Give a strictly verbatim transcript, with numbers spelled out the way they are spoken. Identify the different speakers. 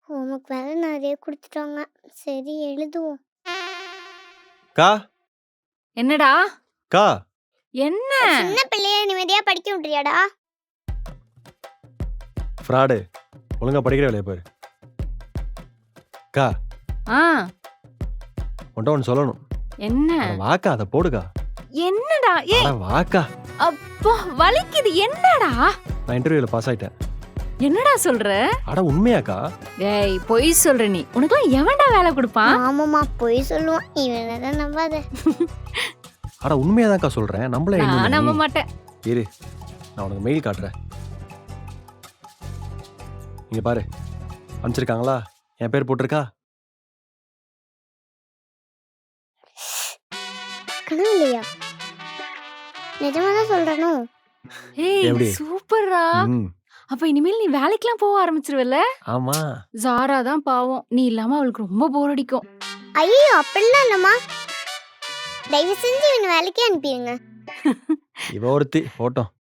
Speaker 1: Homework வேற நிறைய குடுத்துட்டாங்க. சரி எழுதுவோம்.
Speaker 2: கா
Speaker 3: என்னடா
Speaker 2: கா
Speaker 3: என்ன
Speaker 1: சின்ன பிள்ளைய நிம்மதியா படிக்க விட்டுறியாடா?
Speaker 2: ஃப்ராடு ஒழுங்கா படிக்கிற வேலையை பாரு. கா
Speaker 3: ஆ
Speaker 2: உன்ட்ட ஒன்று சொல்லணும்.
Speaker 3: என்ன
Speaker 2: அட வாக்கா அதை போடுக்கா.
Speaker 3: என்னடா ஏய்
Speaker 2: அட வாக்கா.
Speaker 3: அப்பா வலிக்குது என்னடா
Speaker 2: நான் இன்டர்வியூல பாஸ் ஆயிட்டேன்.
Speaker 3: என்னடா சொல்ற?
Speaker 2: அட உண்மையாக்கா?
Speaker 3: ஏய் பொய் சொல்ற நீ. உனக்குலாம் எவன்டா வேலை கொடுப்பான்?
Speaker 1: ஆமாமா பொய் சொல்லுவான். இவனதான் நம்பாத.
Speaker 2: அட உண்மையாதான்க்கா சொல்றேன். நம்மள
Speaker 3: நான் நம்ப மாட்டேன்.
Speaker 2: இரு நான் உனக்கு மெயில் காட்டுறேன். இங்க பாரு அனுப்பிச்சிருக்காங்களா? என் பேர் போட்டிருக்கா?
Speaker 1: கனவு இல்லையா? நிஜமாதான் சொல்றனோ?
Speaker 3: ஏய்
Speaker 2: எப்படி?
Speaker 3: சூப்பர்ரா.
Speaker 2: ம்,
Speaker 3: அப்ப இனிமேல் நீ வேலைக்கெல்லாம் போக ஆரம்பிச்சிருவல்ல?
Speaker 2: ஆமா.
Speaker 3: ஜாரா தான் பாவம். நீ இல்லாம அவளுக்கு ரொம்ப போர் அடிக்கும்.
Speaker 1: ஐயோ அப்படிலாம் இல்லம்மா. தயவு செஞ்சு இவனை வேலைக்கே அனுப்பிடுங்க.
Speaker 2: இவ ஒருத்தி போட்டோம்.